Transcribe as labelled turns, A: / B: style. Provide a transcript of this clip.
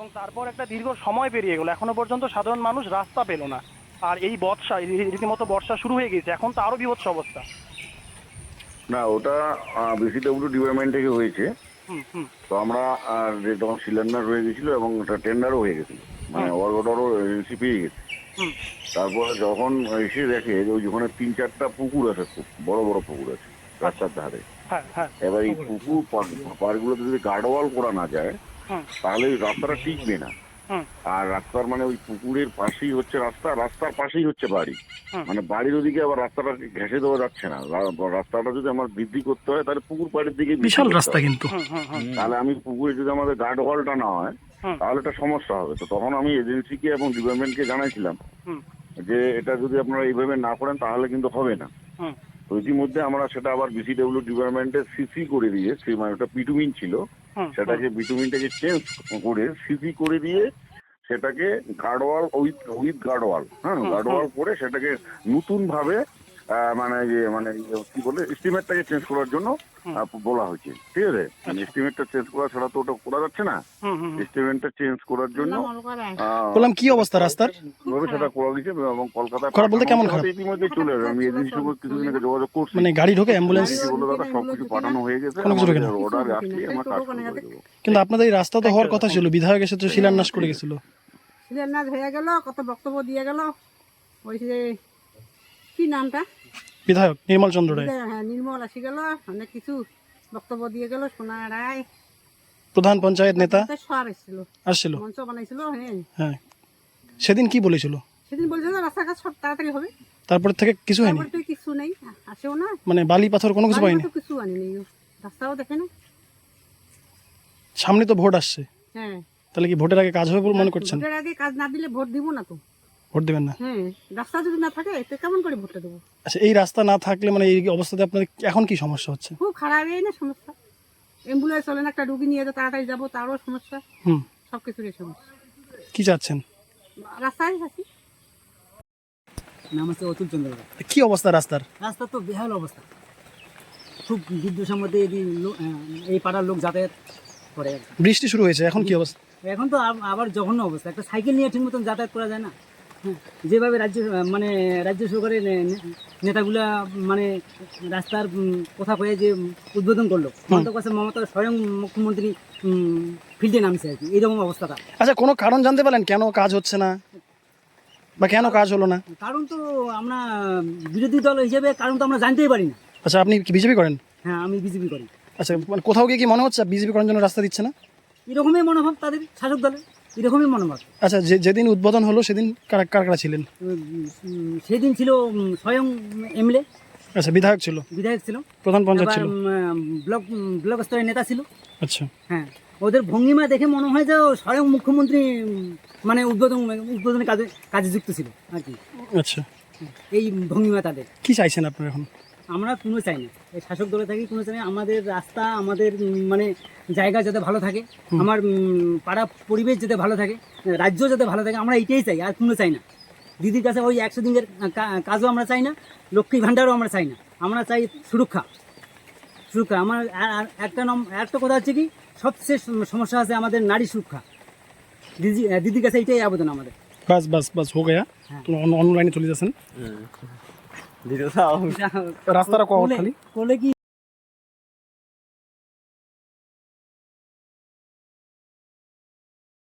A: এবং তারপর একটা দীর্ঘ সময় পেরিয়ে গেল, এখনো পর্যন্ত সাধারণ মানুষ রাস্তা পেল না। আর এই বর্ষা, রীতিমতো বর্ষা শুরু হয়ে গেছে, এখন তো আরো বিভৎস অবস্থা।
B: না, ওটা বিসিডব্লিউ ডিপার্টমেন্ট থেকে হয়েছে।
A: হুম হুম
B: তো আমরা তখন শিলান্যাস হয়ে গেছিল এবং ওটা টেন্ডারও হয়ে গেছিল, মানে ওয়ার্ক অর্ডারও এজেন্সি পেয়ে গেছে।
A: হুম
B: তারপরে যখন এসে দেখে যে ওই ওখানে 3-4টা পুকুর আছে, খুব বড় বড় পুকুর আছে রাস্তার ধারে।
A: হ্যাঁ হ্যাঁ
B: এবার এই পুকুর পাড়গুলোতে যদি গার্ডওয়াল করা না যায়
A: হুম
B: তাহলে ওই রাস্তাটা টিকবে না।
A: হুম
B: আর রাস্তার মানে ওই পুকুরের পাশেই হচ্ছে রাস্তা, রাস্তার পাশেই হচ্ছে বাড়ি।
A: হুম
B: মানে বাড়ির ওদিকে আবার রাস্তাটা ঘেঁষে দেওয়া যাচ্ছে না। রাস্তাটা যদি আমার বৃদ্ধি করতে হয় তাহলে পুকুর পাড়ের দিকে
C: বিশাল রাস্তা কিন্তু।
A: হুম হুম হুম
B: তাহলে আমি পুকুরে যদি আমাদের গার্ড ওয়ালটা না হয়
A: হুম
B: তাহলে একটা সমস্যা হবে। তো তখন আমি এজেন্সিকে এবং ডিপার্টমেন্টকে জানাইছিলাম
A: হুম
B: যে এটা যদি আপনারা এইভাবে না করেন তাহলে কিন্তু হবে না।
A: হুম
B: তো ইতিমধ্যে আমরা সেটা আবার বিসিডব্লিউ ডিপার্টমেন্টে সিসি করে দিয়ে, সেই মানে ওটা বিটুমিন ছিল,
A: হুম
B: সেটাকে বিটুমিনটাকে চেঞ্জ করে সিসি করে দিয়ে সেটাকে গার্ডওয়াল উইথ গার্ডওয়াল, হ্যাঁ, গার্ডওয়াল করে সেটাকে নতুন ভাবে কি বলে এস্টিমেটটাকে চেঞ্জ করার জন্য বলা হয়েছে। ঠিক আছে, এস্টিমেটটা চেঞ্জ করা ছাড়া তো ওটা করা যাচ্ছে না।
A: হুম হুম
B: এস্টিমেটটা চেঞ্জ করার জন্য
C: বললাম কি অবস্থা রাস্তার?
B: সেটা করা গেছে এবং কলকাতায়
C: করা বলতে কেমন খারাপ?
B: ইতিমধ্যে চলে যাবে। আমি এজেন্সির সঙ্গে কিছুদিন আগে যোগাযোগ করছি,
C: মানে গাড়ি ঢোকে, অ্যাম্বুলেন্স?
B: এজেন্সি বললো দাদা সবকিছু পাঠানো হয়ে গেছে,
C: কোনো কিছু ঢোকে না।
B: অর্ডার আসলে আমরা কাজ শুরু করে দেবো।
C: কিন্তু আপনাদের এই রাস্তা তো হওয়ার কথা ছিল, বিধায়ক এসে তো শিলান্যাস করে গেছিল।
D: শিলান্যাস হয়ে গেল, কত বক্তব্য দিয়ে গেল। ওই যে কি নামটা,
C: বিধায়ক নির্মল চন্দ্র রায়,
D: হ্যাঁ নির্মল আসি গেল, অনেক কিছু বক্তব্য দিয়ে গেল। সোনা রায়
C: প্রধান পঞ্চায়েত নেতা
D: সব এসেছিল,
C: আসছিল।
D: মঞ্চ বানাইছিল। হ্যাঁ,
C: হ্যাঁ, সেদিন কি বলেছিল?
D: সেদিন বলছিল রাস্তাঘাট সব তাড়াতাড়ি হবে।
C: তারপর থেকে কিছু হয়নি,
D: তারপরে তো কিছু নেই, আসেও না,
C: মানে বালি পাথর কোনো কিছু পাইনি।
D: তো কিছু আনিনি, রাস্তাও দেখে না।
C: সামনে তো ভোট আসছে,
D: হ্যাঁ,
C: তাহলে কি ভোটের আগে কাজ হবে বলে মনে করছেন?
D: ভোটের আগে কাজ না দিলে ভোট দিব না তো।
C: ভোট দেবেন না?
D: হ্যাঁ, রাস্তা যদি না থাকে তো কেমন করে ভোটটা দেবো?
C: আচ্ছা, এই রাস্তা না থাকলে মানে এই অবস্থাতে আপনাদের এখন কি সমস্যা হচ্ছে?
D: খুব খারাপ, এই না সমস্যা। অ্যাম্বুলেন্স চলে না, একটা রুগী নিয়ে তো তাড়াতাড়ি যাবো, তারও সমস্যা।
C: হুম,
D: সব কিছুরই সমস্যা।
C: কি চাচ্ছেন?
D: রাস্তায় আছি।
E: নাম হচ্ছে অতুল চন্দ্র রায়।
C: কি অবস্থা রাস্তার?
E: রাস্তা তো বেহাল অবস্থা, খুব বিদ্যুষের মধ্যে এই পাড়ার লোক যাতায়াত করে আর কি।
C: বৃষ্টি শুরু হয়েছে, এখন কি অবস্থা?
E: এখন তো আবার জঘন্য অবস্থা, একটা সাইকেল নিয়ে ঠিক মতন যাতায়াত করা যায় না। হ্যাঁ, যেভাবে রাজ্য সরকারের নেতাগুলা মানে রাস্তার কথা কয়ে যে উদ্বোধন করলো, মমতা স্বয়ং মুখ্যমন্ত্রী ফিল্ডে নামছে আর কি, এইরকম অবস্থাটা।
C: আচ্ছা, কোনো কারণ জানতে পারলেন কেন কাজ হচ্ছে না বা কেন কাজ হলো না?
E: কারণ তো আমরা বিরোধী দল হিসেবে কারণ তো আমরা জানতেই পারি না।
C: আচ্ছা, আপনি কি বিজেপি করেন?
E: হ্যাঁ, আমি বিজেপি করি।
C: আচ্ছা, মানে কোথাও গিয়ে কি মনে হচ্ছে বিজেপি করার জন্য রাস্তা দিচ্ছে না?
E: এরকমই মনোভাব তাদের, শাসক দলের এরকমই মনোভাব।
C: আচ্ছা, যেদিন উদ্বোধন হলো সেদিন কারা কারা ছিলেন?
E: সেদিন ছিল স্বয়ং এমএলএ,
C: আচ্ছা, বিধায়ক ছিল,
E: বিধায়ক ছিল,
C: প্রধান পঞ্চায়েত ছিল,
E: ব্লক স্তরের নেতা ছিল।
C: আচ্ছা,
E: হ্যাঁ, ওদের ভঙ্গিমা দেখে মনে হয় যে স্বয়ং মুখ্যমন্ত্রী মানে উদ্বোধনের কাজে যুক্ত ছিল আর কি।
C: আচ্ছা,
E: এই ভঙ্গিমা তাদের।
C: কি চাইছেন আপনারা এখন?
E: আমরা কোনো চাই না, এই শাসক দলে থাকি কোনো চাই না। আমাদের রাস্তা, আমাদের মানে জায়গা যাতে ভালো থাকে, আমার পাড়া পরিবেশ যাতে ভালো থাকে, রাজ্য যাতে ভালো থাকে, আমরা এইটাই চাই, আর কোনো চাই না। দিদির কাছে ওই 100 দিনের কাজও আমরা চাই না, লক্ষ্মী ভাণ্ডারও আমরা চাই না। আমরা চাই সুরক্ষা। আমার একটা কথা হচ্ছে কি, সবচেয়ে সমস্যা আছে আমাদের নারী সুরক্ষা। দিদির কাছে এইটাই আবেদন আমাদের।
C: বাস বাস বাস হো গয়া, অনলাইনে চলে যাচ্ছেন রাস্তাটা খালি
E: কোলে কি